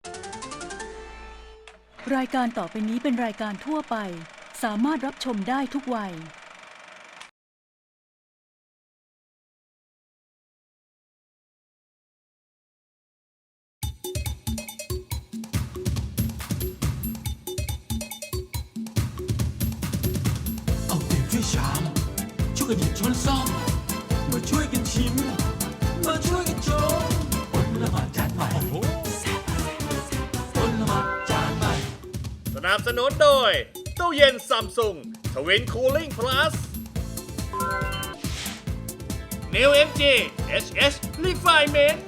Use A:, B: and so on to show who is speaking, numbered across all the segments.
A: รายการต่อไปนี้เป็นรายการทั่วไปสามารถรับชมได้ทุกวัย
B: เอาเปรียบช่วยชามช่วยกันหยิบช้อนซ่อมมาช่วยกันชิมมาช่วยกันชมอดละหมาดจานใหม่อดละหมาดจานใหม่
C: สนับสนุนโดยตู้เย็นซัมซุงทวินคูลิ่งพลัส New MG HS Refinement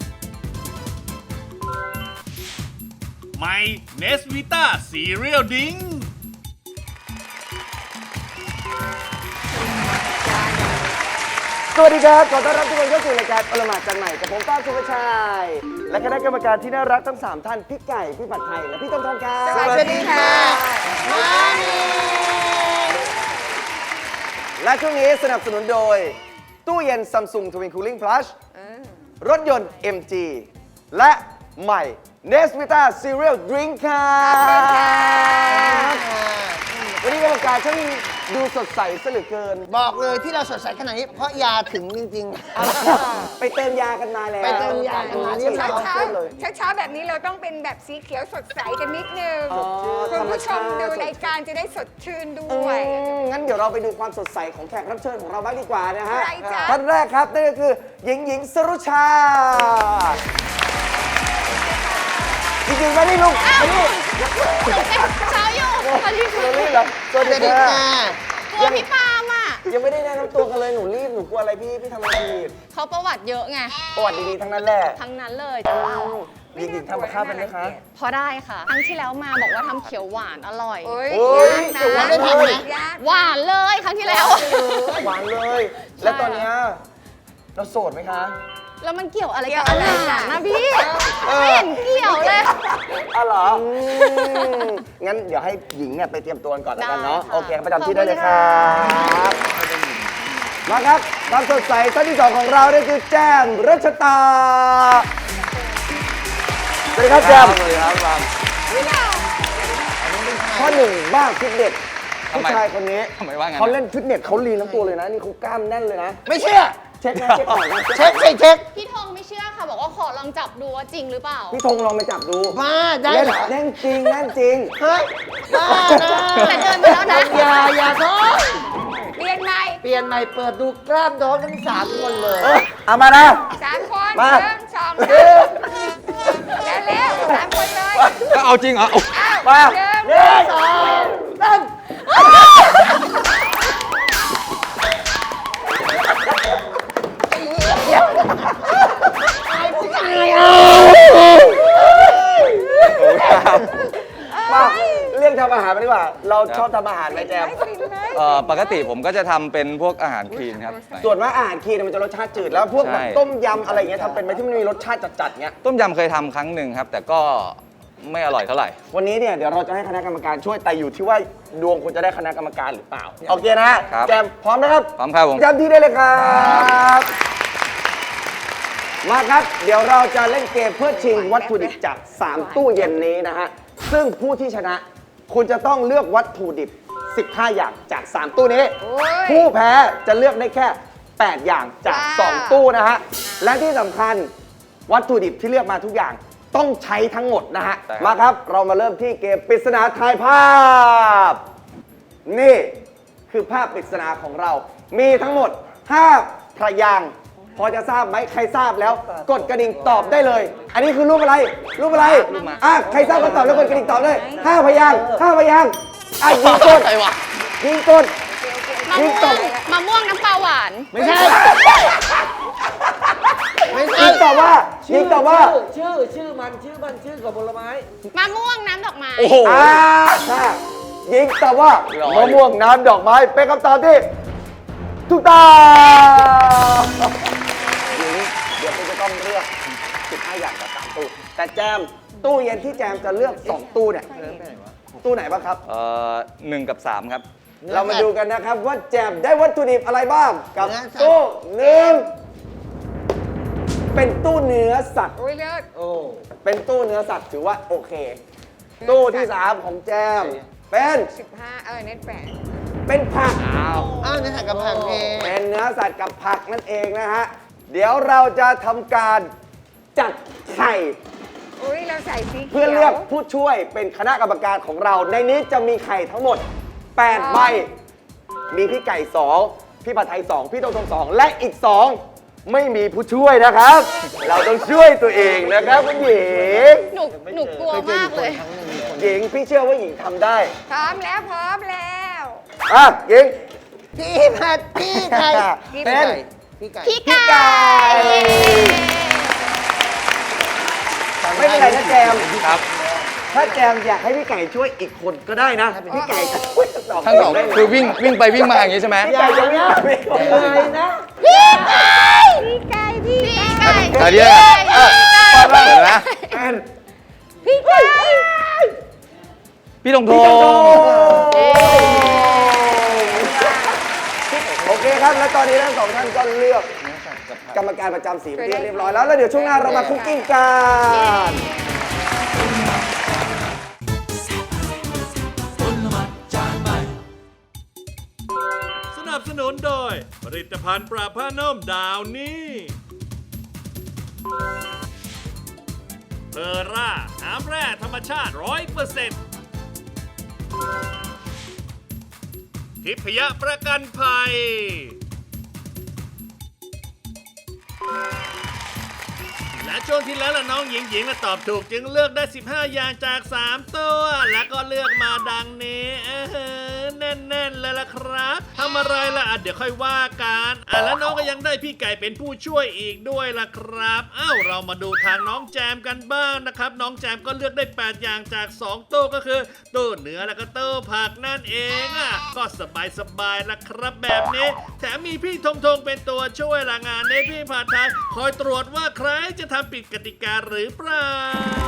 C: ใหม่ Nesvita Cereal Drink
D: สวัสดีครับขอต้อนรับทุกคนเข้าสู่รายการอลหมาดจานใหม่กับผมป้าสุภชัยและคณะกรรมการที่น่ารักทั้ง3ท่านพี่ไก่พี่ผัดไทยและพี่ต้นทองครับสวัสดีค่ะและช่วงนี้สนับสนุนโดยตู้เย็น Samsung Twin Cooling Plus รถยนต์ MG และใหม่ Nesvita Cereal Drink ครับวันนี้กรรมการช่างดูสดใสซะเหลือเกิน
E: บอกเลยที่เราสดใสขนาดนี้เพราะยาถึงจริง
D: ไปเติมยากันมาแล้ว
E: ไปเติมยากันมา
D: เช้า
F: เช้า
D: เลย
F: เช้าแบบนี้เราต้องเป็นแบบสีเขียวสดใสกันนิดนึง
D: อ๋อ
F: คุณผู้ชม
D: ธรรมชาติ
F: ดูรายการจะได้สดชื่นด้วย
D: งั้นเดี๋ยวเราไปดูความสดใสของแขกรับเชิญของเราบ้างดีกว่านะฮะ
F: ใครจ๊ะ
D: ท่านแรกครับนั่นก็คือหญิงสรุชาจริงๆไม่ได้ลุกไม่ได้
G: เช้าอยู่สวัสดี
D: ส
G: ค่ะ
D: วัสดีครับสวัส
E: ๆสวัส
D: ดี
E: ดี
D: ค่ะ
E: ค่ะ
G: กลัวพี่ปาล์มอ่ะ
D: ยังไม่ได้แนะนำตัวกันเลยหนูรีบหนูกลัวอะไรพี่ทำอะไรผิด
G: เขาประวัติเยอะไง
D: ประวัติดีๆทั้งนั้นแหละ
G: ทั้งนั้นเลย
D: หญิงทำกับข้าวเป็นไหมคะ
G: พอได้ค่ะ ครั้งที่แล้วมาบอกว่าทำเขียวหวานอร่อย
F: โอ้ย
D: โอ้ย
F: ยากนะ
D: เดี๋ยววันได้ทำไหม
F: ยาก
G: หวานเลยครั้งที่แล้ว
D: หวานเลย แล้วตอนเนี้ยเราโสดไหมคะ
G: แล้วมันเกี่ยวอะไรกับอาหารนะพี่ไม่เห็นเกี่ยวเลย
D: อ๋อเหรองั้นเดี๋ยวให้หญิงเนี่ยไปเตรียมตัวก่อนแล้วกันเนาะ
G: ได้ค่ะ
D: โอเคประจำที่ได้เลยครับมาครับความสดใสท่านที่ 2 ของเราเนี่ยคือแจมรัชตาสวัสดีครับแจมสวัสดีครับข้อหนึ่งบ้าฟิตเนสผู้ชายคนนี้เขาเล่นฟิตเนสเขาลีนทั้งตัวเลยนะนี่เขากล้ามแน่นเลยนะ
E: ไม่เชื่อ
D: เช็คนะเช็คก่อนนะ
E: เช็คสิเช็ค
G: พี่ทองไม่เชื่อค่ะ บอกว่าขอลองจับดูว่าจริงหรือเปล่า
D: พี่ธงลองไปจับดู
E: มาได้
D: เล่น
E: เหรอ
D: แน่นจริงแน่นจริง
E: เฮ้ยบ้านะ
G: แต่เดินไปแล้วนะ
E: อย่าท้อ
F: เรียนใหม่
E: เปลี่ยนใหม่เปิดดูกล้ามน้องทั้ง3 คนเลย
D: เอามานะ
F: 3 คน
D: มา
F: 1 2 3เร็วๆ3 คนเลย
H: เอาจริงเหรอ
D: มา
F: หนึ่ง
E: 2 3
D: มาเรื่องทำอาหารมาดีกว่า เราชอบทำอาหารไหมแจม
H: ปกติผมก็จะทำเป็นพวกอาหารคลีนครับ
D: ส่วนมากอาหารคลีนมันจะรสชาติจืดแล้วพวกแบบ
H: ใช่
D: ต้มยำอะไรอย่างเงี้ยทำเป็นไหมที่มันมีรสชาติจัดๆเงี้ย
H: ต้มยำเคยทำครั้งหนึ่งครับ แต่ก็ไม่อร่อยเท่าไหร่
D: วันนี้เนี่ยเดี๋ยวเราจะให้คณะกรรมการช่วยแต่อยู่ที่ว่าดวงคุณจะได้คณะกรรมการหรือเปล่า โอเคนะครับ แจมพร้อมนะครับ
H: พร้อมครับผม
D: ประจำที่ได้เลยครับ มาครับ เดี๋ยวเราจะเล่นเกมเพื่อชิงวัตถุดิบจาก 3 ตู้เย็นนี้นะฮะ ซึ่งผู้ที่ชนะคุณจะต้องเลือกวัตถุดิบ 15 อย่างจาก 3 ตู้นี้
F: โอ้ย
D: ผู้แพ้จะเลือกได้แค่ 8 อย่างจาก
F: ว้าว
D: 2 ตู้นะฮะ และที่สำคัญวัตถุดิบที่เลือกมาทุกอย่างต้องใช้ทั้งหมดนะฮะ
H: ใช่ครับ
D: มาครับ เรามาเริ่มที่เกมปริศนาทายภาพ นี่คือภาพปริศนาของเรา มีทั้งหมด 5 พยางค์พอจะทราบไหมใครทราบแล้ว กดกระดิ่งตอบได้เลย อันนี้คือรูปอะไร รูปอะไรอ่ะใครทราบก็ตอบแล้วกดกระดิ่งตอบเลย5 พยางค์5 พยางค์อ่ะยิงกดยิงกด
G: มะม่วงน้ำปลาหวาน
E: ไม่ใช่ ไม่ใช่
D: ยิงตอบว่ายิงตอบว่า
E: ชื่อมันกับผลไม้
G: มะม่วงน้ำดอกไม้
D: ถ้ายิงตอบว่ามะม่วงน้ำดอกไม้เป็นคำตอบที่ถูกต้องหญิงเดี๋ยวคุณจะต้องเลือก 15 อย่างจาก3ตู้ แต่แจมตู้เย็นที่แจมจะเลือก 2 ตู้เนี่ย ตู้ไหนบ้างครับ
H: 1 กับ 3 ครับ
D: เรามาดูกันนะครับว่าแจมได้วัตถุดิบอะไรบ้างกับ
E: เนื้อสัตว์
D: ตู้หนึ่งเป็นตู้เนื้อสัตว์
F: อุ้ยเลิศ
E: โอ้
D: เป็นตู้เนื้อสัตว์ถือว่าโอเค ตู้ที่ 3 ของแจม เป็น
F: 15เน็ตแปด
D: เป็นผัก
E: อ้าวนี่ใส่กับผักเอง
D: เป็นเนื้อสัตว์กับผักนั่นเองนะฮะ เดี๋ยวเราจะทำการจัดไข่
F: อุ้ยเราใส่สีเขียว
D: เพื่อเลือกผู้ช่วยเป็นคณะกรรมการของเรา ในนี้จะมีไข่ทั้งหมด 8 ใบ มีพี่ไก่ 2 พี่ผัดไทย 2 พี่ตรง2 และอีก 2 ไม่มีผู้ช่วยนะครับ เราต้องช่วยตัวเองนะครับคุณหญิง
G: หนูกลัวมากเลย
D: หญิงพี่เชื่อว่าหญิงทำได้
F: พร้อมแล้วพร้อมแล้ว
D: อ่ะหญิง
E: พี่ผัดพี่ไก่
D: เป็น
E: พี่ไก่
G: พี่ไก่
D: ไก่ไม่เป็นไรนะแจม
H: ครับ
D: ถ้าแจมอยากให้พี่ไก่ช่วยอีกคนก็ได้นะ พี่ไก่จะช่วยทั้งสอง
H: ทั้งสอง
D: ได้เลย
H: คือวิ่งไปวิ่งมาอย่างนี้ใช่ไหม
D: พี่ไก่จะไม่ได้
E: อะไรนะ
G: พี่ไก่พี่ไก่พี่ไก่
H: ตอนนี้เปิดนะ
D: เป็น
G: พี่ไก่
H: พี่ธงธ
D: พี่
H: ง
D: จงโดโอเคครับ และตอนนี้ทั้งสองท่านก็เลือกกรรมการประจำสีเป็นที่เรียบร้อยแล้ว แล้วเดี๋ยวช่วงหน้าเรามาคุกกิ้งกัน
B: ผลไม้จานใหม่
C: สนับสนุนโดย ผลิตภัณฑ์ปราบผ้านุ่มดาวนี่เพอร่า น้ำแร่ธรรมชาติ 100%ทิพยประกันภัย และช่วงที่แล้วล่ะน้องหญิงๆตอบถูกจึงเลือกได้ 15 อย่างจาก 3 ตัว แล้วก็เลือกมาดังนี้แน่นๆเลยล่ะครับทำอะไรล่ะเดี๋ยวค่อยว่ากันแล้วน้องก็ยังได้พี่ไก่เป็นผู้ช่วยอีกด้วยล่ะครับเรามาดูทางน้องแจมกันบ้างนะครับน้องแจมก็เลือกได้ 8 อย่างจาก 2 ตู้ก็คือตู้เนื้อแล้วก็ตู้ผักนั่นเองก็สบายๆล่ะครับแบบนี้แถมมีพี่ธงเป็นตัวช่วยละงานในพี่ผัดไทยคอยตรวจว่าใครจะทำผิดกติกาหรือเปล่า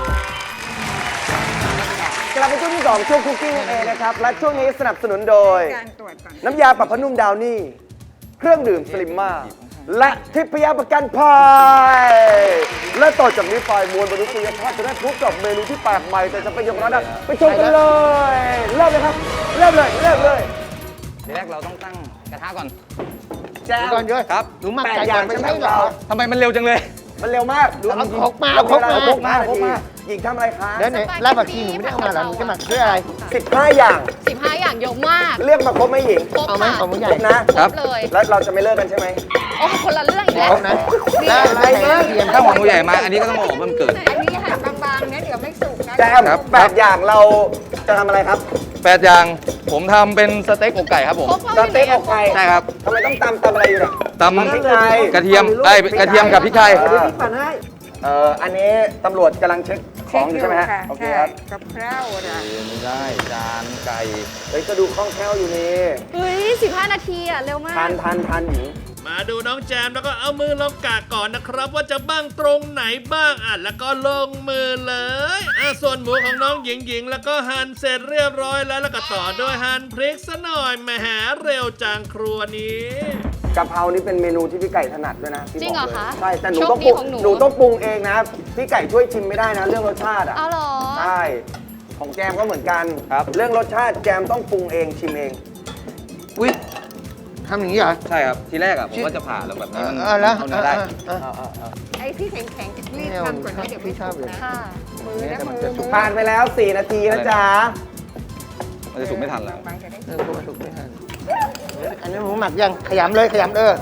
D: กลับมาช่วงที่ 2 ช่วงคุกกิ้งนั่นเองนะครับ และช่วงนี้สนับสนุนโดย
F: การตรวจก่อน
D: น้ำยาปรับผ้านุ่มดาวนี่ เครื่องดื่มสลิมมาและทิพยประกันภัย และต่อจากนี้ไปมวลมนุษยชาติจะได้พบกับเมนูที่แปลกใหม่ แต่จะเป็นอย่างไรนั้นไปชมกันเลย เริ่มเลยครับ เริ่มเลย
H: ทีแรกเราต้องตั้งกระทะก่อน
D: แจม
E: ก่อนเยอะ
H: ครับ
E: หนูหมัก
D: แปด
E: ไก่
D: อย่า
E: ก่อง นไม่
D: ใช่
E: ใช่
D: ไหม
E: เหรอ
H: ทำไมมันเร็วจังเลย
D: มันเร็วมาก
E: ดูเอาครกมา
D: เอา
E: เอาครกมา
D: พกมาหญิงทำอะไรคะ
E: แล้วไหนรากผักชีหนูไม่ได้เอามาเหรอหนูจะหมักด้วยอะไร
D: 15 อย่าง
G: 15 อย่างเยอะมาก
D: เรียกมาครบไหมหญิง
G: ครบ
E: เอาไหม
G: ค่ะ
E: เอาหมูใหญ่
D: ครบนะ
G: ครบเลย
D: แล้วเราจะไม่เลิกกันใช่ไหม
G: โอ้คนละเรื่องอีกแล้ว
E: ครบนะแล้วอะไรนะเทียม
H: ถ้าหัวหมูใหญ่มา อันนี้ก็ต้องเอาออกเพิ่มเกิด
F: อันนี้หั่นบางๆนะเดี๋ยวไม่สุกนะ
D: แจม
H: ครับ
D: 8 อย่างเราจะทำอะไรครับ
H: 8 อย่าง ผมทำเป็นสเต็กอกไก่ครับผม
G: ครบ
D: สเต็กอกไก่
H: ใช่ครับ
D: ทำไมต้องตำอะไรอยู่เนี่ย
H: ตำ
D: พริกไทย
H: กระเทียมกระเทียมกับพริกไทย
D: เดี๋ยวพี่ปั่นให้อันนี้ตำรวจกำลังเช็คของอยู่ใช่ไหมฮะ โอเคครับ
F: กับข้าวนะ
H: ไม่ได้จานไก่
D: เฮ้ยก็ดูคล่องแคล่วอยู่นี่
G: เฮ้ย 15 นาทีเร็วมาก
D: ทันหญิง
C: มาดูน้องแจมแล้วก็เอามือลองกากก่อนนะครับ ว่าจะบ้างตรงไหนบ้างแล้วก็ลงมือเลยส่วนหมูของน้องหญิงแล้วก็หั่นเสร็จเรียบร้อยแล้วก็ต่อด้วยหั่นพริกซะหน่อยแหมเร็วจังครัวนี้
D: กะเพรานี่เป็นเมนูที่พี่ไก่ถนัดด้วยนะพี่
G: จริงเหรอ
D: บอกลย
G: คะ
D: ใช่แต่หนู
G: โชค
D: ต้อง
G: ดี
D: ปรุง
G: ของหนู
D: หนูต้องปรุงเองนะ พี่ไก่ช่วยชิมไม่ได้นะ เรื่องรสชาติอ่ะ
G: เอาเหรอ
D: ใช่ของแจมก็เหมือนกัน
H: ครับ
D: เรื่องรสชาติแจมต้องปรุงเองชิมเอง
E: อุ้ยทำอย่างนี้เหรอ
H: ใช่ครับ ทีแรกผมก็จะผ่าแล้วแบบนี้มัน
E: แล้ว
H: เอาเนื้อได้
F: ไอ้ที่แข็งๆรีบทำก่อนนะเดี๋ยวไม่สุกนะ
G: ค่ะ
F: มือนะมือ
D: ผ่านไปแล้ว 4 นาทีนะจ๊ะ
H: มันจะสุกไม่ทันแล้ว
F: บางๆจะได้
E: เออพวกมันสุกไม่ทันอันนี้หมูหมักยังขยำเลยขยำ
G: โ
E: เ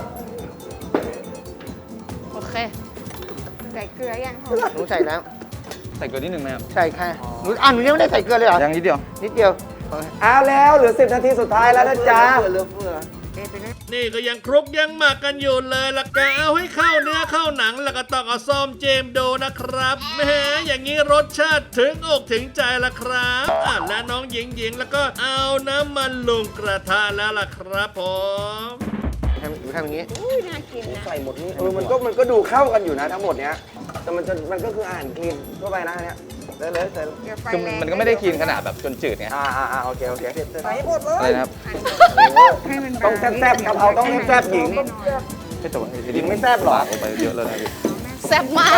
G: อเค
F: ใส่เกลือยัง
E: หนูใส่แล้ว
H: ใส่เกลือนิดนึงไหมครับ
E: ใส่ค่ะหนูหนูยังไม่ได้ใส่เกลือเลยเหรอ
H: ยังนิดเดียว
E: นิดเดียว
D: เอาแล้วเหลือ 10 นาทีสุดท้ายแล้วนะจ๊ะ
E: เหลือเฟือ
C: นี่ก็ยังคลุกยังหมักกันอยู่เลยละกะเอาให้เข้าเนื้อเข้าหนังแล้วก็ต้องเอาซ่อมเจมดูนะครับแหมอย่างนี้รสชาติถึงอกถึงใจละครับและน้องหญิงแล้วก็เอาน้ำมันลงกระทะแล้วล่ะครับผม
E: หนูทำอย่างนี้
F: อุ้ยน่ากินนะ
D: ใส่หมดนี่มันก็ดูเข้ากันอยู่นะทั้งหมดเนี้ยแต่มันก็คืออาหารคลีนทั่วไปนะอันเนี้ยเลยใส่เลย
F: เดี๋ยวไฟ
H: คือ
F: แรง
H: มันก็ไม่ได้กินขนาดแบบจนจืดไง
D: โอเค
F: ใส่หมดเล
H: อะไร
F: ย
H: นะครับ
F: ให้มัน
D: ต้องแซ่บๆกะเพราต้องแซ่บๆหญิง
H: ไม่แต่ว่า
D: หญิงไม่แซ่บหรอ
H: ลงไปเยอะเลยนะพี่
G: แซ่บมาก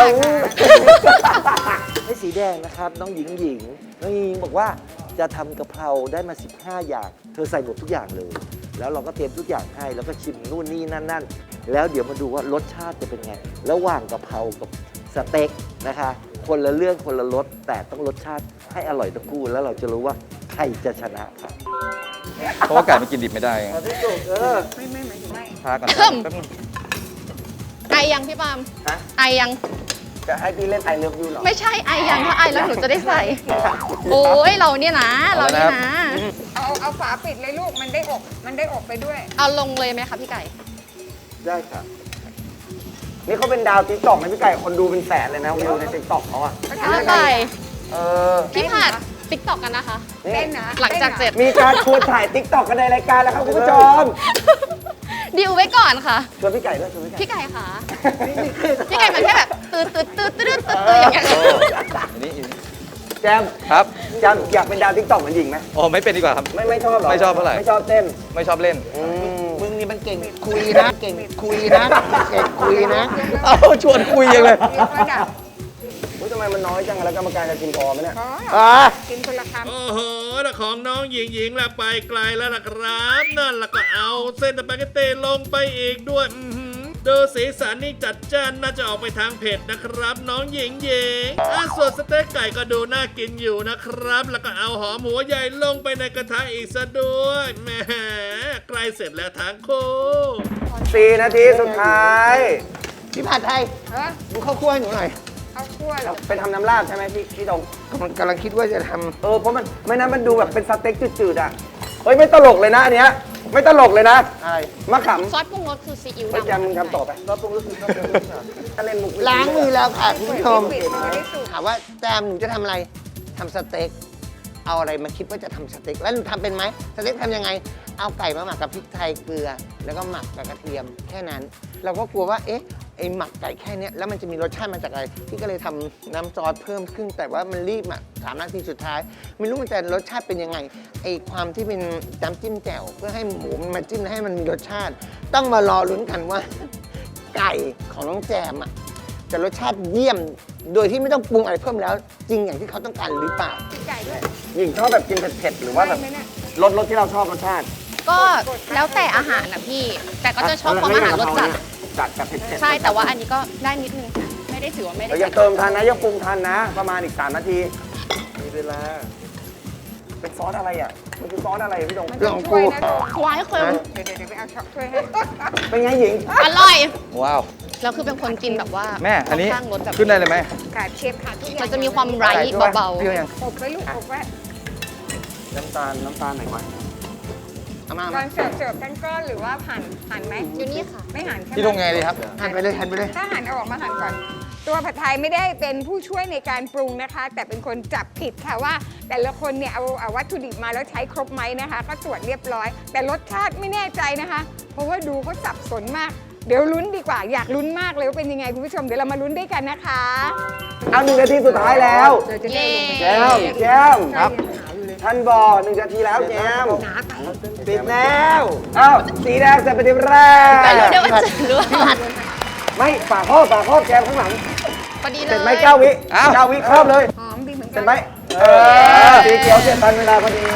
E: ให้สีแดงนะครับ น้องหญิงน้องหญิงบอกว่าจะทำกะเพราได้มา 15 อย่าง เธอใส่หมดทุกอย่างเลย แล้วเราก็เตรียมทุกอย่างให้แล้วก็ชิมนู่นนี่นั่น แล้วเดี๋ยวมาดูว่ารสชาติจะเป็นไง ระหว่างกะเพรากับสเต็กนะคะ คนละเรื่องคนละรสแต่ต้องรสชาติให้อร่อยทั้งคู่แล้วเราจะรู้ว่าใครจะชนะครับ
H: เพราะว่าไก่มันกินดิบไม่ได้ไง
E: พี่จุก
F: ไม่
H: พากัน
G: เพิ่ม
H: แป๊บนึง
G: ไอยังพี่ปาล์ม
D: ฮะ
G: ไอยัง
D: จะให้พี่เล่นไอเลิฟยูเหรอ
G: ไม่ใช่ไอยังถ้าไอแล้วหนูจะได้ใส่ โอ้ยเราเนี่ยนะ เราเนี่ยนะ
F: เอาฝาปิดเลยลูก มันได้อบไปด้วย
G: เอาลงเลยไหมคะพี่ไก่
D: ได้ค่ะนี่เขาเป็นดาวติ๊กต็อกนะพี่ไก่คนดูเป็นแสนเลยนะวิวในติ๊กต็อกเขาอะ
G: พี่ไก่
D: เออ
G: พี่ผัดติ๊กตอกกันนะคะ
F: เล่นนะ
G: หลังจากเสร็จ
D: มีการชวนถ่ายติ๊กต็อกกันในรายการแล้วครับคุณผู้ชม
G: ดิวไว้ก่อนค่ะ
D: ชวนพี่ไก่ด้วยชวนพี่ไก่
G: พี่ไก่ค่ะ พี่ไก่มันแค่แบบตืดอย่างเงี้ย
H: อันนี้
D: แจม
H: ครับ
D: แจมอยากเป็นดาวติ๊กต็อกเหมือนหญิงไหม
H: โอ้ไม่เป็นดีกว่าครับ
D: ไม่ชอบหรอ
H: ไม่ชอบเท่าไหร่
D: ไม่ชอบเต้น
H: ไม่ชอบเล่น
E: มึงนี่มันเก่งคุยนะ เก่งคุยนะเก่งคุยนะ
H: เอาชวนคุยยังเลย
F: ยกระดับ
D: อุ๊ยทำไมมันน้อยจังแล้วกรรมการจะกินพอไหมเนี่ย
F: อ๋อกินคนละคำ
C: โอ้โหแต่ของน้องหญิงละไปไกลแล้วนะครับ นั่นละก็เอาเส้นสปาเกตตีลงไปอีกด้วยดูสีสันนี่จัดจ้านน่าจะออกไปทางเผ็ดนะครับ น้องหญิงส่วนสเต็กไก่ก็ดูน่ากินอยู่นะครับ แล้วก็เอาหอมหัวใหญ่ลงไปในกระทะอีกซะด้วยแหมใกล้เสร็จแล้วทั้งคู่
D: 4 นาทีสุดท้าย
E: พี่ผัดไทย
F: เออ
E: ดูข้าวคั่วให้หนูหน่อย
F: เอาคั่วเหรอ
D: ไปทำน้ำราดใช่ไหมพี่ตรง
E: กำลังคิดว่าจะท
D: เพราะมันไม่นั้นมันดูแบบเป็นสเต็กจืดๆอ่ะ เฮ้ยไม่ตลกเลยนะอันเนี้ยไม่ตลกเลยนะ
E: ำอะไร
D: มะข
G: ซอสปรุงรสคือซีอิ๊ว
D: ำเฮ้ย
G: ดำ
D: แจมมึงทำต่อไปรอบปรุงรู้สึกรอบปรุงรู้สึกถ้าเล่นมุก
E: ล้างมือแล้วค่ะคุณผู้ชม
F: ปิดมันจะได้สุก
E: ถามว่าแจมหนูจะทำอะไรทำสเต็กเอาอะไรมาคิดว่าจะทำสเต็กแล้วหนูทำเป็นไหมสเต็กทำยังไง เอาไก่มาหมักกับพริกไทยเกลือ แล้วก็หมักกับกระเทียมแค่นั้น เราก็กลัวว่าเอ๊ะไอหมักไก่แค่เนี้ยแล้วมันจะมีรสชาติมาจากอะไรพี่ก็เลยทำน้ำซอสเพิ่มขึ้น แต่ว่ามันรีบอ่ะ3 นาทีสุดท้าย ไม่รู้มันจะรสชาติเป็นยังไงไอความที่เป็นน้ำจิ้มแจ่วเพื่อให้หมูมันมาจิ้มแล้วให้มันมีรสชาติ ต้องมารอลุ้นกันว่า ไก่ของน้องแจมอ่ะจะรสชาติเยี่ยม โดยที่ไม่ต้องปรุงอะไรเพิ่มแล้ว จริงอย่างที่เขาต้องการหรือเปล่า
F: พี่ไก่ด้วย
D: หญิงชอบแบบกินเผ็ดๆหรือว่าแบบ
F: ได้ไหมเนี่ย
D: รสที่เราชอบรสชาติ
G: ก็แล้วแต่อาหารนะพี่ แต่ก็จะชอบความอาหารรสจัด
D: จัดแบบเผ็ดๆ
G: ใช่ แต่ว่าอันนี้ก็ได้นิดนึงค่ะไม่ได้ถือว่าไม่ได้
D: เรายัง
G: จัด
D: เติมทันนะยังปรุงทันนะ ประมาณอีก3 นาทีมีเวลาเป็นซอสอะไรอ่ะมันคือซอสอะไรพี่ตรง
F: มัน
E: ล
F: ต้
E: อ
F: อง ง
E: กู
F: ช่วยนะลูก
G: หวานเค็ม
F: เดี๋ยวไปเอาช็อปช่วยให้
D: เป็นไงหญิง
G: อร่อย
H: ว้าว
G: แล้วคือเป็นคนกินแบบว่า
H: แม่ อันนี้
G: ค่ข้างรสแบบ
H: ขึ้นได้เลยไหม
F: ขาดเชฟขาดทุกอย่าง
G: มันจะมีความไร้เบา
E: เปรี้ยวยัง
F: อบไว้ลูกอบไว้
D: น้ำตาลไหนวะ
E: เอามา
F: ก่อนเสิร์ฟกันก้อนหรือว่าหั่นไหม
G: ๆอยู่นี่ค่ะ
F: ไม่หั่นใช่ไหม
H: พี่ลงไงดีครับ
E: หั่นไปเลยหั่นไปเลย
F: ถ้าหั่นเอาออกมาหั่นก่อน ตัวผัดไทยไม่ได้เป็นผู้ช่วยในการปรุงนะคะ แต่เป็นคนจับผิดค่ะว่า แต่ละคนเนี่ยเอาวัตถุดิบมาแล้วใช้ครบไหมนะคะ ก็ตรวจเรียบร้อย แต่รสชาติไม่แน่ใจนะคะ เพราะว่าดูเขาสับสนมาก เดี๋ยวลุ้นดีกว่าอยากลุ้นมากเลยว่าเป็นยังไงคุณผู้ชมเดี๋ยวเรามาลุ้นด้วยกันนะคะ
D: เอา1 นาทีสุดท้ายแล้ว
F: เราจะได้ลงไป
D: แจมแจม
F: ครับ
D: ท่านบอก1 นาทีแล้วแจมปิดแล้วอ้าวสีแดงเสร็จเป็นทีแรก
G: แต่เดี๋ยวมันจะรู้
D: ไม่ฝากครอบแจมข้างหลัง
G: พอดีเล
D: เสร็
G: ย
D: จไหม9 วิ
H: อ้าว
D: 9 วิครอบเลย
F: หอมดีเหมือนกั
D: เสร็จไหมสีเขียวเสร็จทันเวลาพอดี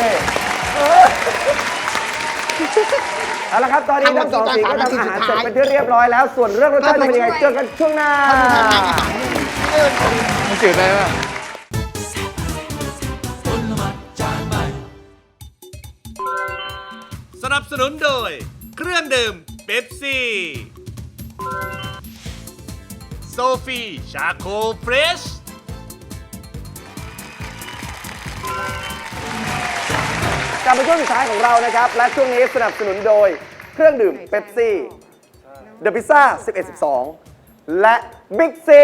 D: เอาละครับตอนนี้ทั้งสองสีก็ทำอาหารเสร็จเป็นที่เรียบร้อยแล้ว ส่วนเรื่องรสชาติจะเป็นยังไงเจอกันช่วงหน้า
H: มันจืดเลยป่ะ
C: สนับสนุนโดย เครื่องดื่มเป๊ปซี่ โซฟีชาโคเฟรช
D: กลับมาช่วงสุดท้ายของเรานะครับ และช่วงนี้สนับสนุนโดยเครื่องดื่มเป๊ปซี่เดอะพิซซ่า11-12 และบิ๊กซี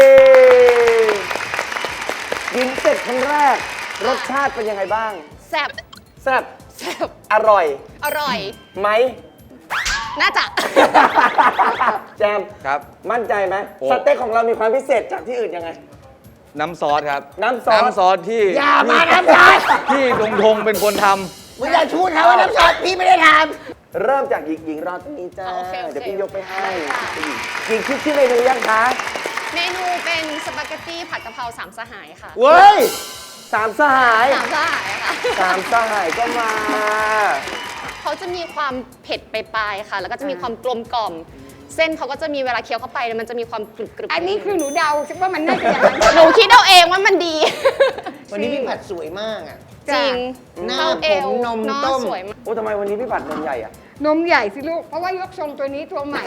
D: กินเสร็จครั้งแรก รสชาติเป็นยังไงบ้าง
G: แซ่บ
D: แซ่บ
G: แซ่บ
D: อร่อย
G: อร่อย
D: ไหม
G: น่าจะ
D: แจม
H: ครับ
D: มั่นใจไหม
H: โอ้
D: สเต็กของเรามีความพิเศษจากที่อื่นยังไง
H: น้ำซอสครับ
D: น้ำซอส
H: น้ำซอสที่
E: อย่ามาน้ำซอส
H: ที่ดงเป็นคนท
E: มึงอย่าชูเขาว่าน้ำซอสพี่ไม่ได้ท
D: เริ่มจากหญิงรอตรงนี้จ้า
G: โอเค
D: เดี๋ยวพี่
G: โอเค
D: ยกไปให้หญิงคิดชื่อเมนูยังคะ
G: เมนูเป็นสปาเกตตี้ผัดกะเพราสามสหายค่ะ
D: เว้ยสามสหาย
G: สามสหายค่ะ
D: สามสหายก็มา
G: เขาจะมีความเผ็ดปลายๆค่ะ แล้วก็จะมีความกลมกล่อม เส้นเขาก็จะมีเวลาเคี้ยวเข้าไปมันจะมีความกรึบๆ
F: อันนี้คือหนูเดาคิดว่ามันน่าจะอย่างนั้น
G: หนูคิดเอาเองว่ามันดี
E: วันนี้พี่ผัดสวยมากอ่ะ
G: จริง
E: หน้า
G: เข้าเอว
E: ผมนม
G: เนาะ
E: ต้ม
G: สวยมาก
D: โอ้ทำไมวันนี้พี่ปัดนมใหญ่อะ
F: นมใหญ่สิลูก เพราะว่ายกทรงตัวนี้ตัวใหม่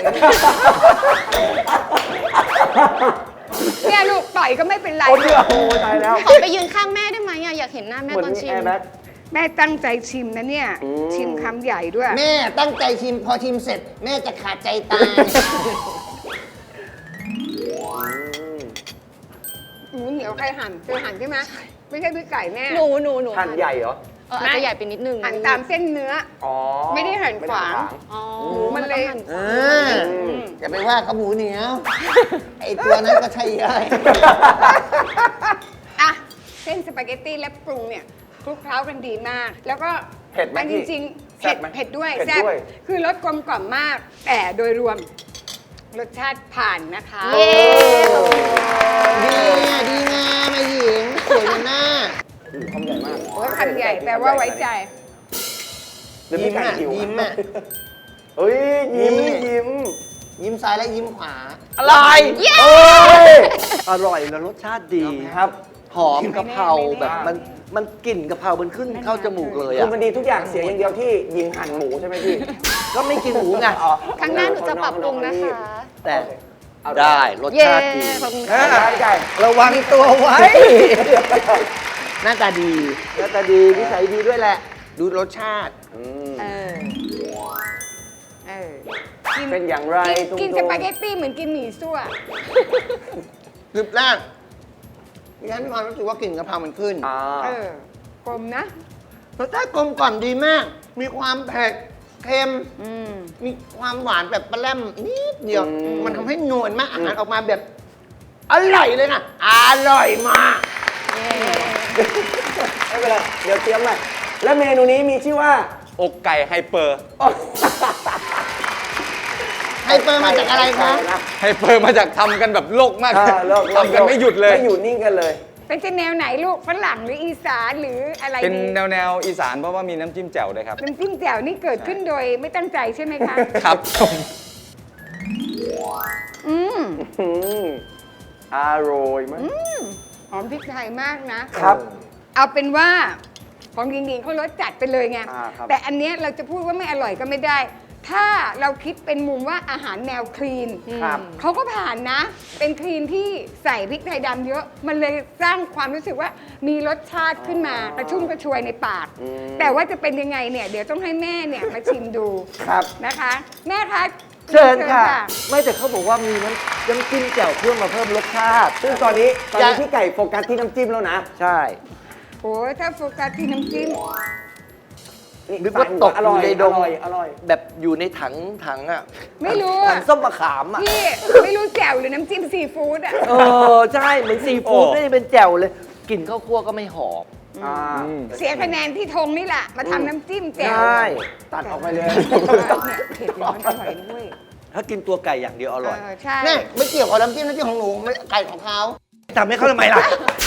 F: เนี่ยลูกต่อยก็ไม่เป็นไร
D: โอ้เดือโอ้ตายแล้ว
G: ขอไปยืนข้างแม่ได้ไหมอะอยากเห็นหน้าแม่
D: เหมือน
G: ตอน
D: มี
G: ชิ
D: แอ
G: ม
D: ร์แบ็ก
F: แม่ตั้งใจชิมนะเนี่ย
D: อืม
F: ชิมคำใหญ่ด้วย
E: แม่ตั้งใจชิมพอชิมเสร็จ แม่จะขาดใจตาย
F: หมูเหนียวใครหั่นเธอหั่นใช่ไหมไม่ใช่พี่ไก่แน่
G: หนู
D: หั่นใหญ่เหรอ
G: อาจจะใหญ่ไปนิดนึง
F: หั่นตามเส้นเนื้อ
D: อ๋อ
F: ไม่ได้หั่นขวาง
G: อ๋อ
F: หมูมันเลย
G: ต้องหั่
E: เอออย่าไปว่าเขาหมูเหนียว ไอตัวนั้นก็ใช่ย่อย
F: อ่ะเส้นสปาเกตตี้และปรุงเนี่ยคลุกเคล้ากันดีมาก แล้วก็
D: เผ็ดไหม
F: มันจ
D: พี่
F: ริงๆ
D: แซ่
F: เผ็
D: บ
F: ด
D: ไหม
F: เผ็ดด้วย
D: เผ็ด
F: แซ่บ
D: ด้วย
F: คือรสกลมกล่อมมาก แต่โดยรวมรสชาติผ่านนะคะ
G: เย้
E: ดีอ่ะดีงามไอหญิงสวยเหมือนหน้า
D: คำใหญ่มาก
F: โอ้ยคำใหญ่แปลว่าไว้ใจ
D: เดี๋ยวพี่ไก่หิว
E: ยิ้มอ่ะ
D: เฮ้ยยิ้ม
E: นี่
D: ยิ้ม
E: ยิ้มซ้ายและยิ้มขวา
I: อะไร
D: เอ้ย
I: อร่อยแล้วรสชาติดี
D: ครับ
I: หอมกะเพรา
F: ไม่แน่
I: แบบมันกลิ่นกะเพรามันขึ้นเข้าจมูกเลย
D: คือ
I: อ่ะ
D: มันดีทุกอย่างเสียอย่างเดียวที่ยิงหั่นหมูใช่ไหมพี่
I: ก็ไม่กินหมูไง
D: อ๋อ
G: ครั้งหน้าหนูจะปรับปรุงนะคะ
I: แต่
D: เอา
I: ได้รส
G: เย้
I: ชาติดี
G: ขอบคุณ
D: ได้
G: ค่ะ
D: ได้
I: ระวังตัวไว้
E: หน้าตาดี
I: หน้าตาดีนิสัยดีด้วยแหละ
E: ดูรสชาติ
D: อืม
F: เออ เออ
D: เป็นอย่างไร
F: กิน
D: ตุ้มๆ
F: สปาเกตตี้เหมือนกินหมี่ซั่ว
E: กรึบแรกดิฉันมีความรู้สึกว่ากลิ่นกะเพรามันขึ้น
D: อ่า
F: เออกลมนะ
E: รสชาติกลมกล่อมดีมาก มีความเผ็ด เค็ม
F: อืม
E: มีความหวานแบบปลาแรมนิดเดียว
D: อืม
E: มันทำให้นวลมาก อาหารออกมาแบบ อร่อยเลยนะ อร่อยมาก
D: ไม่เป็นไรเดี๋ยวเตรียมใหม่และเมนูนี้มีชื่อว่า
H: อกไก่ไฮเปอร์
E: ไฮเปอร์มาจากอะไรคะ
H: ไฮเปอร์มาจากทำกันแบบโลกมาก
D: เลิก
H: ทำกันไม่หยุดเลย
D: ไม่หยุดนิ่งกันเลย
F: เป็นจะแนวไหนลูกฝรั่งหรืออีสานหรืออะไร
H: เป็น
F: ดี
H: แนวอีสานเพราะว่ามีน้ำจิ้มแจ่วด้วยครับ
F: น้ำจิ้มแจ่วนี่เกิดขึ้นโดยไม่ตั้งใจใช่ไหมคะ
H: ครับผม
F: อืม
D: อืมอร่อยมาก
F: หอมพริกไทยมากนะ
D: ครับ
F: เอาเป็นว่าของหญิงๆเขารสจัดไปเลยไง
D: ครับ
F: แต่อันเนี้ยเราจะพูดว่าไม่อร่อยก็ไม่ได้ ถ้าเราคิดเป็นมุมว่าอาหารแนวคลีน
D: ครับ
F: เขาก็ผ่านนะ เป็นคลีนที่ใส่พริกไทยดำเยอะ มันเลยสร้างความรู้สึกว่ามีรสชาติขึ้นมากระชุ่มกระชวยในปาก แต่ว่าจะเป็นยังไงเนี่ย เดี๋ยวต้องให้แม่เนี่ยมาชิมดู
D: ครับ
F: นะคะ แม่คะ
I: เชิญค่ะ ไม่แต่เขาบอกว่ามีน้ำจิ้มแจ่วเพื่อมาเพิ่มรสชาติ
D: ซึ่งตอนนี้พี่ไก่โฟกัสที่น้ำจิ้มแล้วนะ
I: ใช่
F: โอ้ยถ้าโฟกัสที่น้ำจิ้ม
I: นึกว่าตก
D: อ
I: อ
D: ร่อยู่ ย
I: ในดง
D: อร่อยอร่อย
I: แบบอยู่ในถังอ่ะ
F: ไม่รู้
I: ถั
F: อะ
I: งส้มมะขามอ่ะ
F: พี่ไม่รู้แจ่วหรือน้ำจิ้มซีฟู้ดอ่ะ
I: เออ ใช่ เหมือนซีฟู้ดไม่ได้เป็นแจ่วเลยกลิ่นข้าวคั่วก็ไม่หอม
D: อ่า
F: เสียคะแนนที่ธงนี่แหละ มาทำน้ำจิ้มแจ่ว
I: ใช่
D: ตัดออกไปเลย
F: เนี่ยเผ็ดร้อนอร่อยด้วย
I: ถ้ากินตัวไก่อย่างเดียวอร่อย
F: ใช่
E: นี่ไม่เกี่ยวกับน้ำจิ้มของหนูไม่ไก่ของเขา
I: ทำให้เขาทำไมล่ะ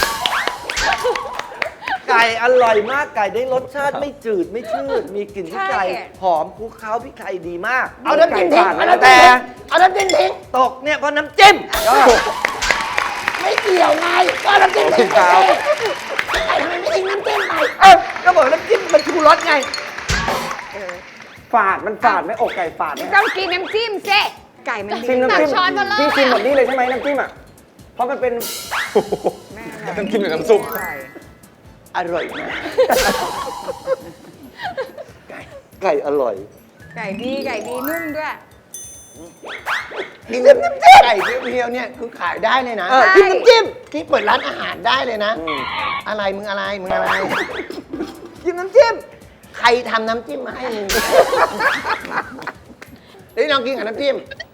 I: ไก่อร่อยมาก ไก่ได้รสชาติไม่จืดไม่ชืด มีกลิ่นพริกไทยหอมคลุกเคล้าพริกไทยดีมาก
E: เอาน้ำจิ้มทิ้งเอาน้ำจิ้ม
I: แต่
E: ทิ้งเอาน้ำจิ้มทิ้ง
I: ตกเนี่ยเพราะน้ำจิ้ม
E: ไม่เกี่ยวไงก็น้ำจิ้มทิ้ง
I: เอา
E: ไก่ทำไมไม่ทิ้งน้ำจิ้มไป
I: เออก็บอกน้ำจิ้มมันชูรสไง
D: ฝาดมันฝาดไหมอกไก่ฝาดไหม
F: ต้องกินน้ำจิ้มเซ่ไก่มันดี
D: ชิมน้ำจิ้ม
G: ตักช้อนมาเลย
D: พี่ชิมหมดนี่เลยใช่ไหมน้ำจิ้มอ่ะ เพราะมันเป็น
F: แม่อร่อย
H: น้ำจิ้มหรือน้ำซุป
F: อร่อย
I: อร่อยมาก ไก่อร่อย
F: ไก่ดีนุ่มด้วย
E: นี่น้ำจิ้มไก่เพียวๆเนี่ยคือขายได้เลยนะ
I: เออจิ้มน้ำจิ้ม
E: ที่เปิดร้านอาหารได้เลยนะ อะไรมึงอะไร
I: จิ้มน้ำจิ้ม
E: ใครทำน้ำจิ้มมาให้มึงเฮ้ยลองกินกับน้ำจิ้ม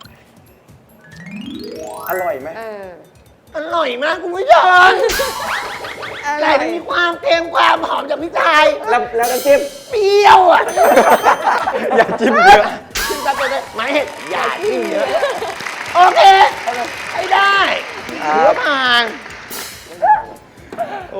D: อร่อยไหม
E: อร่อยมากคุณผู้ชมไก่มันมีความเค็มความหอมจากพริกไทย
D: แล้วน้ำจิ้ม
E: เปรี้ยวอ่ะ
H: อย่าจิ้มเยอะ
E: จิ้มซับไปเลยหมายเห็ดอย่าจิ้มเยอะ โอเคให้ได้
D: อ
E: ถือว่าผ่าน
H: โอ้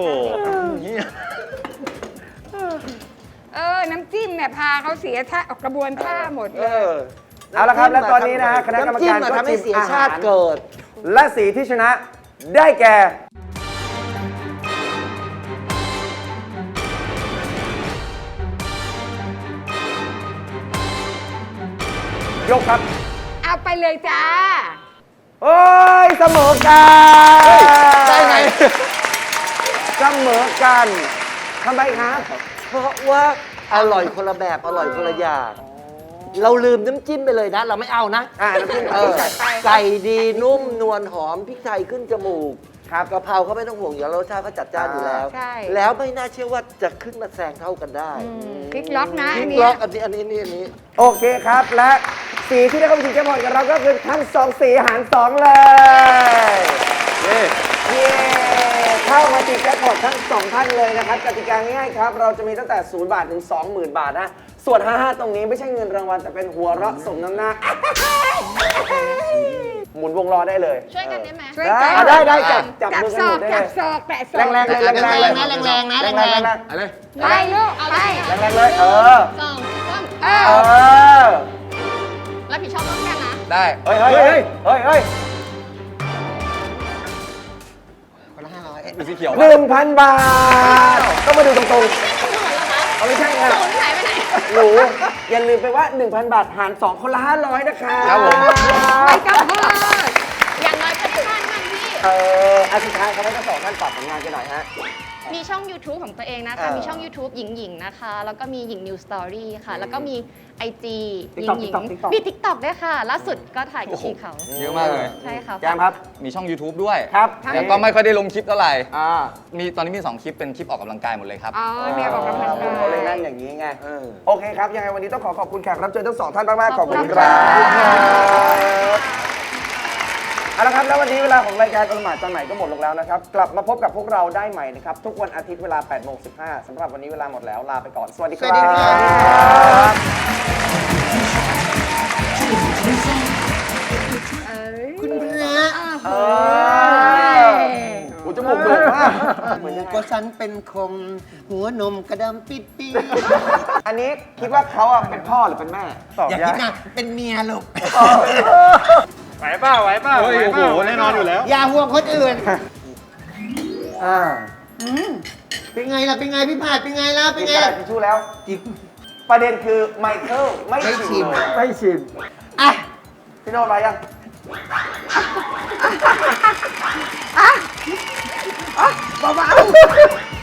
F: น้ำจิ้มเนี่ยพาเขาเสียท่าออกกระบวนท่าหมดเลย
D: เอาละครับ และตอนนี้นะฮะคณะกรรมการ
I: น้ำจิ้
D: ก็
I: ทำให้
D: ชิม
I: เสีย
D: อา
I: ชา
D: หาร
I: ติเกิด
D: และสีที่ชนะได้แก่ ยกครับ
F: เอาไปเลยจ้า
D: โอ้ยเสมอกัน
I: ได้ไง
D: เสมอกันทำไมครับ
I: เพราะว่าอร่อยคนละแบบอร่อยคนละอย่างเราลืมน้ำจิ้มไปเลยนะ เราไม่เอานะ
D: น้ำจิ้ม
F: จัดไป
I: ไก่ดีนุ่มนวลหอมพริกไทยขึ้นจมูกครับกะเพราเขาไม่ต้องห่วงอยู่แล้วรสชาติเขาจัดจ้านอยู่แล้ว
F: ใช่
I: แล้วไม่น่าเชื่อว่าจะขึ้นมาแซงเท่ากันได้
F: พลิกล็อกนะ
I: พลิ
F: อัน
I: ก
F: เนี้
I: ล็อย กอันนี้
D: โอเคครับ และสีที่ได้เข้าไปชิงแจ็คพอตกับเราก็คือทั้ง2สีหาร2เลย เย้เข้ามาชิงแจ็คพอตทั้ง2ท่านเลยนะครับกติกาง่ายๆครับ เราจะมีตั้งแต่0 บาทถึง 20,000 บาทนะ ส่วน 55 ตรงนี้ไม่ใช่เงินรางวัลแต่เป็นหัวเราะสมน้ำหน้า หมุนวงล้อได้เลย
G: ช่วยกันได้ไหม
F: ช่วยกัน
D: ได้จับ
F: จับ
D: มือ
F: ศ
D: กันห
F: อ
D: มุนได้
F: กจั
D: เล
F: บ
D: ย
F: ศอกแตะศอก
D: แรงๆเลยแรงๆเลย
E: แรงๆนะแรงๆนะ
D: แรงๆเลย
F: ไปลูกไป
D: แรงๆเลย
G: 2 3
F: เอ
D: เอ
F: อ
D: อ
G: รับผิดชอบร่วมกันนะ
H: ได้
D: เฮ้ย
E: คนละ500
H: ดูสีเขียว
D: 1,000 บาท ต้องมาดูตรงๆเอาไม่ใช่ค่ะ
G: ศูนย์หายไปไหน
D: หนูอย่าลืมไปว่า 1,000 บาทหาร 2 คนละ 500 นะคะ
H: ครับผม
F: ไปกับเพื่อน
G: อย่างน้อยก็ได้บ้านกันพี่
D: อันสุดท้ายเขาให้ทั้งสองท่านฝากผลงานกันหน่อยฮะ
G: มีช่อง YouTube ของตัวเองนะคะ มีช่อง YouTube หญิงๆนะคะ แล้วก็มีหญิง New Story ค่ะ แล้วก็มี IG หญิง
D: TikTok
G: มี TikTok ด้วยค่ะ ล่าสุดก็ถ่ายกับพี่เขา
H: เยอะมากเลย
G: ใช่ค่ะ
D: แจมครับ
H: มีช่อง YouTube ด้วย
D: ครับ
H: แล้วก็ไม่ค่อยได้ลงคลิปเท่าไหร่
D: อ่า
H: ตอนนี้มี 2 คลิปเป็นคลิปออกกำลังกายหมดเลยครับ
F: อ๋อเนี่ยออกกำลังกาย
D: เขาเลยนั่งอย่างนี้ไง โอเคครับ ยังไงวันนี้ต้องขอบคุณแขกรับเชิญทั้งสองท่านมากๆ ขอบคุณ
G: ขอบคุณ
D: ครั
G: ค่ะ
D: บเอาละครับ แล้ววันนี้เวลาของรายการอลหมาดจานใหม่ก็หมดลงแล้วนะครับ กลับมาพบกับพวกเราได้ใหม่นะครับ ทุกวันอาทิตย์เวลา 8:15 สำหรับวันนี้เวลาหมดแล้ว ลาไปก่อน สวัสดีครับ
E: สวัสดีครับ คุณพระ
D: เออหูจมูกโด่งมากเหมือนยังไง
E: ก็ฉันเป็นคมหัวนมกระดำปิดปี
D: อันนี้คิดว่าเขาอะเป็นพ่อหรือเป็นแม่ตอบ
E: อย่าคิดนะเป็นเมียลูก
C: ไหวเปล่าเฮ้ยโอ้โห แน่นอนอยู่แล้ว
E: อย่าห่วงคนอื่น
D: อ่า
E: เป็นไงล่ะ เป็นไงพี่ผาดเป็นไงล่ะ เป็
D: กิ
E: น
D: น
E: ไง
D: กระดาษทิชชู่แล้ว ประเด็นคือไมเคิลไม่
E: ไม่ชิ
D: ชิม
E: ม
D: เลยไม่ชิม
E: อ่ะ
D: พี่โน้ตมายัง
F: เบาๆ